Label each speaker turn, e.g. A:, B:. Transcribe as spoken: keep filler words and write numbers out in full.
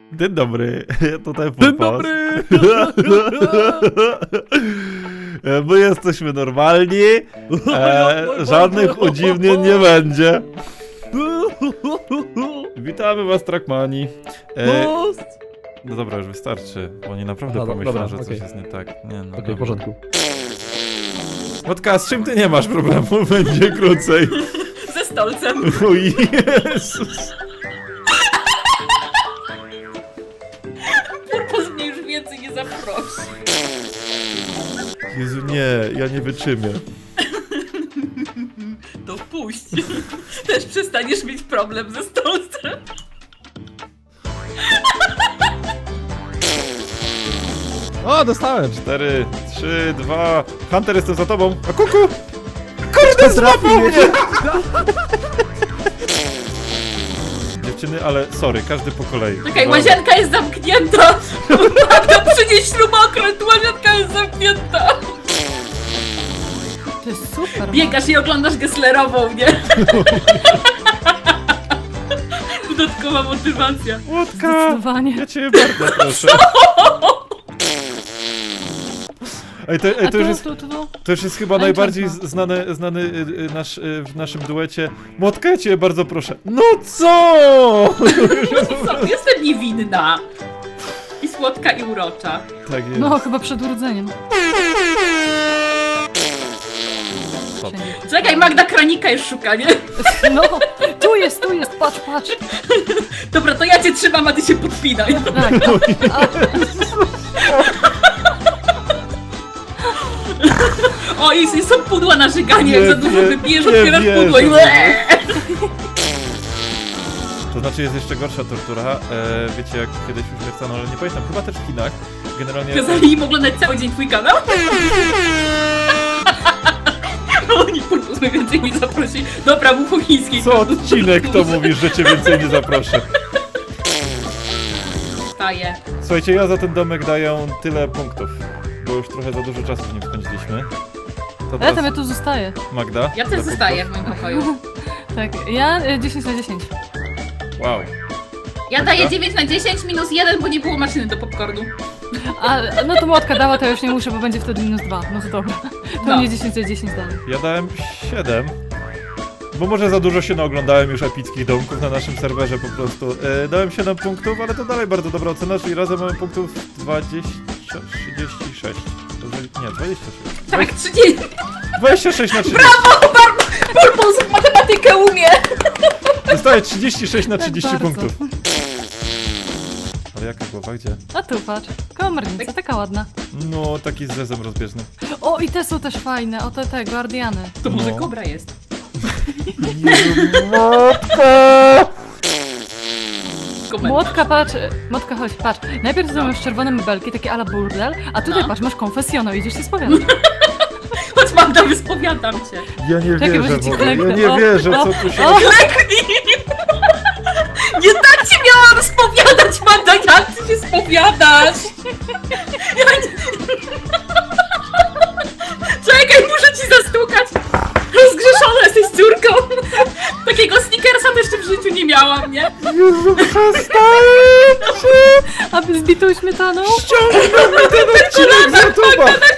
A: Dzień dobry, ja tutaj
B: Dzień
A: Pupas.
B: dobry!
A: My jesteśmy normalni, e, żadnych udziwnień nie będzie. Witamy was, Trackmani. E,
B: Most!
A: no dobra, już wystarczy, bo oni naprawdę
B: Dobra,
A: pomyślą,
B: dobra,
A: że coś
B: okej.
A: jest nie tak. Nie, no,
B: Okej,
A: dobra.
B: w porządku.
A: Motka, z czym ty nie masz problemu? Będzie krócej.
C: Ze stolcem.
A: O Jezus.
C: Purpos mnie już więcej nie zaprosi.
A: Jezu, nie, ja nie wytrzymię.
C: To puść. Też przestaniesz mieć problem ze stolcem.
B: O, dostałem!
A: Cztery, trzy, dwa. Hunter, jestem za tobą. A kuku! Kurde, złapał mnie! Dziewczyny, ale sorry, każdy po kolei.
C: Czekaj, łazienka jest zamknięta. Magda, przynieś śrubokręt, łazienka jest zamknięta.
D: To jest super.
C: Biegasz i oglądasz Gesslerową, nie? Dodatkowa motywacja.
A: Łotka!
D: Zdecydowanie.
A: Ja cię bardzo proszę. Ej, to, ej,
D: A
A: to,
D: tu,
A: już jest,
D: tu, tu, tu.
A: to już jest chyba
D: Ej,
A: najbardziej
D: czerwka.
A: z- znany, znany y, y, nasz, y, w naszym duecie. Młotka, ja cię bardzo proszę. No co?
C: Co? Jestem niewinna. I słodka i urocza.
A: Tak jest.
D: No, chyba przed urodzeniem.
A: Stop.
C: Czekaj, Magda kranika już szuka, nie?
D: No, tu jest, tu jest, patrz, patrz.
C: Dobra, to ja cię trzymam, a ty się podpinaj.
D: Tak. A,
C: O, i i są pudła na żyganie, jak
A: Nie
C: za dużo
A: wie-
C: wypijesz,
A: nie
C: otwierasz
A: wierzę
C: pudło i
A: w
C: łeee.
A: To znaczy jest jeszcze gorsza tortura. E, wiecie, jak kiedyś już nie chcano, ale nie pamiętam, chyba też w Chinach. Generalnie.
C: Kazali im oglądać cały dzień twój kanał? Oni purpos mnie więcej nie zaprosi. Dobra, mów po chińskiej.
A: Co odcinek to mówisz, że cię więcej nie zaproszę?
C: Staję.
A: Słuchajcie, ja za ten domek daję tyle punktów, bo już trochę za dużo czasu w nim spędziliśmy. To
D: ja
A: teraz
D: tam ja tu zostaję.
A: Magda.
C: Ja
A: dla
C: też zostaję w
A: punktów.
C: moim pokoju.
D: Tak, ja y, dziesięć na dziesięć.
A: Wow.
C: Ja daję dziewięć na dziesięć minus jeden, bo nie było maszyny do popcornu.
D: A, no to młotka dała, to ja już nie muszę, bo będzie wtedy minus dwa. No to dobra. To
C: No.
D: mnie dziesięć na dziesięć dalej.
A: Ja dałem siedem. Bo może za dużo się naoglądałem już epickich domków na naszym serwerze po prostu. E, dałem siedem punktów, ale to dalej bardzo dobra ocena, czyli razem mamy punktów dwadzieścia, trzydzieści sześć. Dobrze, nie, dwadzieścia sześć.
C: Tak, trzydzieści.
A: dwadzieścia sześć na trzydzieści.
C: Purpos w matematykę umie.
A: Dostaję trzydzieści sześć na trzydzieści
D: Tak bardzo.
A: punktów. Ale jaka głowa, gdzie?
D: A tu patrz. Komornica, taka ładna.
A: No, taki z zezem rozbieżnym.
D: O, i te są też fajne. O, te, te, guardiany.
C: To może
A: No.
C: kobra jest. Komentarz.
D: Młotka, patrz, y, Młotka, chodź, patrz. Najpierw tutaj masz czerwone mebelki, takie ala burdel, a tutaj
C: No.
D: patrz, masz konfesjonał, idziesz się spowiadać.
C: Chodź, Magda, wyspowiadam cię.
A: Ja nie
D: Czekaj,
A: wierzę
D: może
A: w
D: ci
A: ogóle, ja
D: kleknę.
A: nie
D: O,
A: wierzę,
D: o,
A: co tu się...
D: o.
C: Kleknij! Nie tak cię miałam spowiadać, Magda, jak ty się spowiadasz? Ja nie... Czekaj, muszę ci zastukać! Rozgrzeszona jesteś córką! Takiego snickersa też jeszcze w życiu nie miałam, nie?
A: Jezu, przestańcie!
D: Aby z bitą śmietaną?
A: Ściągnij mnie ten odcinek z YouTube'a!